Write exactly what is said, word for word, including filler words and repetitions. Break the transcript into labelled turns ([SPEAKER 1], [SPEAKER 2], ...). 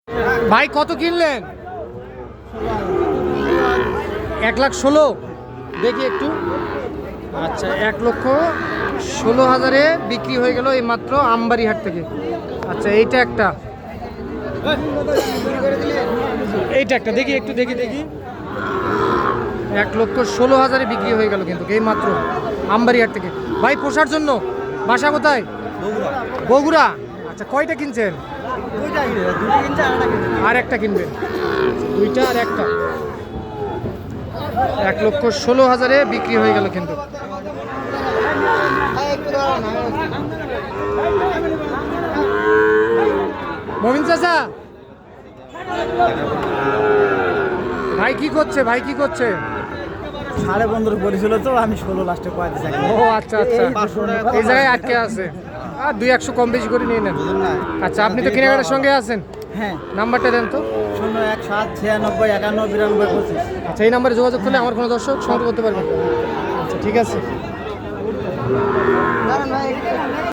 [SPEAKER 1] ভাই কত কিনলেন? এক লাখ ষোলো। দেখি একটু। আচ্ছা, এক লক্ষ ষোলো হাজারে বিক্রি হয়ে গেল এই মাত্র আমবাড়িহাট থেকে। আচ্ছা, এইটা একটা, এইটা একটা দেখি একটু, দেখি দেখি এক লক্ষ ষোলো হাজারে বিক্রি হয়ে গেল কিন্তু এই মাত্র আমবাড়িহাট থেকে। ভাই পোষার জন্য বাসা কোথায়? বগুড়া। আচ্ছা, কয়টা কিনছেন? আর একটা কিনবেন? দুইটা আর একটা। এক লক্ষ ষোলো হাজারে বিক্রি হয়ে গেল কিন্তু। মমিন চাচা, ভাই কি করছে? ভাই কি করছে?
[SPEAKER 2] সাড়ে পনেরো বলেছিল তো, আমি ষোলো লাস্টে কয়েক দিচ্ছি।
[SPEAKER 1] ও আচ্ছা আচ্ছা, এই জায়গায় আটকে আছে। আর দুই একশো কম বেশি করে নিয়ে নেন। আচ্ছা, আপনি তো কেনাকাটার সঙ্গে আছেন,
[SPEAKER 2] হ্যাঁ।
[SPEAKER 1] নাম্বারটা দেন তো।
[SPEAKER 2] শূন্য এক সাত ছিয়ানব্বই একান্ন বিরানব্বই পঁচিশ।
[SPEAKER 1] আচ্ছা, এই নাম্বারে যোগাযোগ করলে আমার কোনো দর্শক সংগ্রহ করতে পারবেন। আচ্ছা, ঠিক আছে।